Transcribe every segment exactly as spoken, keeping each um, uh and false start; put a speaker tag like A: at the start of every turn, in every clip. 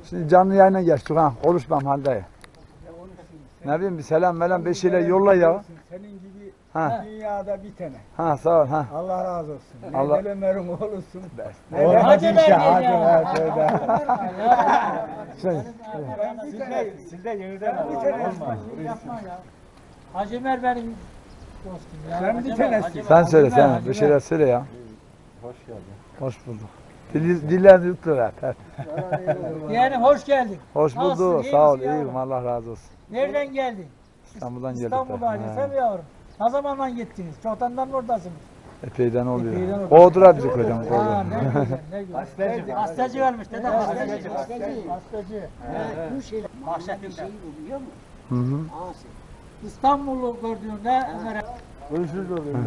A: Şimdi canlı yayına geçtik ha. Konuşmam halde. Ne bileyim bir selam melam bir şeyler yolla ya.
B: Senin gibi
A: Ha.
B: dünyada bir tane.
A: Ha sağ ol ha.
B: Allah razı olsun. Ne
A: Allah-
B: Allah. Ömer'in oğlusun.
A: Ne
B: Ne
C: Hacı
B: Hacı
C: Ömer
B: Hacı
C: ya.
B: Hacı Ömer.
A: Şey,
B: Siz de, siz de yeniden olmaz.
C: Hacı Ömer benim dostum ya.
B: Sen
C: Hacı
B: bir
C: Ömer,
B: tanesin.
C: Hacı Ömer,
A: sen
C: Hacı
A: söyle
C: Ömer,
A: sen
C: Hacı
A: bir
C: Ömer.
A: şeyler söyle ya.
B: Hoş geldin.
A: Hoş bulduk. Dil, dillerini yuttular hep.
C: Yani hoş geldin.
A: Hoş
C: Nasılsın,
A: bulduk.
C: iyi
A: Sağ ol.
C: misin yavrum?
A: İyiyim. Allah razı olsun.
C: Nereden geldin?
A: İstanbul'dan geldik.
C: İstanbul'dan
A: He.
C: desem yavrum. Ne zamandan gittiniz? Çoktandan oradasınız.
A: Epeyden oluyor.
C: Epeyden oluyor.
A: Kovdular bizi köyden.
C: Ha,
A: Kovdular.
C: ne güzel, ne güzel.
B: Hastacı.
C: Hastacı ölmüş dede. Hastacı.
B: Hastacı,
C: Hastacı. Hastacı.
D: Bu şey
C: Bahçetinde.
D: şey biliyor musun?
A: Hı hı.
D: Asi.
C: İstanbul'u gördüğünde Ömer'e
B: Ölçülü oluyor.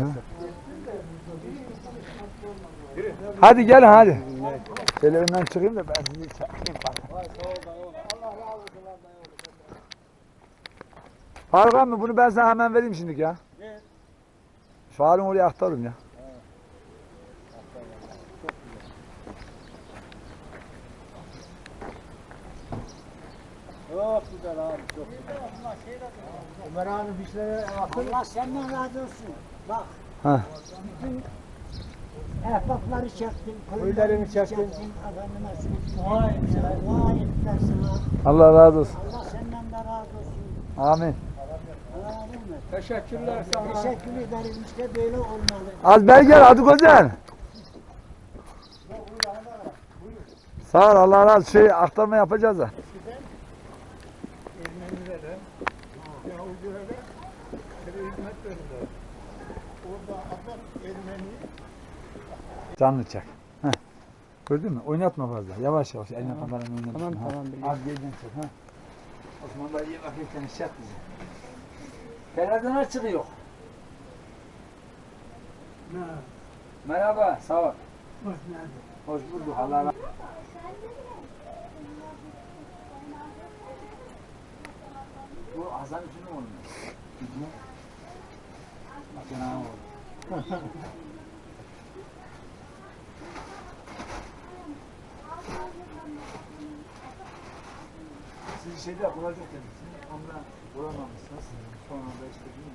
A: Hadi gelin hadi. Şöyle önden çıkayım da ben sizi çekeyim. Faruk abi bunu ben sana hemen vereyim şimdi ya. Şu halin oraya aktarırım ya.
B: Çok güzel abi, çok güzel. Ömer abi dişlere
D: Allah senden razı olsun. Bak.
A: Ha.
D: Bütün ehbapları çektin.
B: Köylerini çektin.
D: Efendime söyleyeyim.
C: Vay be.
D: Dua ettiler sana.
A: Allah razı olsun.
D: Allah senden de razı olsun.
A: Amin.
D: Allah razı olsun.
B: teşekkürler sana.
D: Teşekkür ederim. İşte böyle olmalı.
A: Az beri gel hadi güzel. Sağ ol Allah razı olsun. Şey aktarma yapacağız da.
B: Ermenilere, Yahudilere bir hizmet verirler. Orada adam Ermeni.
A: Canlı çek. Heh. Gördün mü? Oynatma fazla. Yavaş yavaş. Eline kameranı oynatma.
B: Tamam,
A: Ha.
B: tamam, biliyorum.
A: Az geriden çek. Ha. Osman da iyi bakırken çek bizi. Televizyon çıkıyor. Merhaba. Sağ ol.
D: Hoş geldin.
A: Hoş bulduk. Allah razı olsun. Bu Hasan Üçü'nün oğlu mu? Hı hı. Hasan Ağa'nın oğlu. Siz şeyde bulacak demişsiniz. Ondan bulamamışsınız. Sonra da işte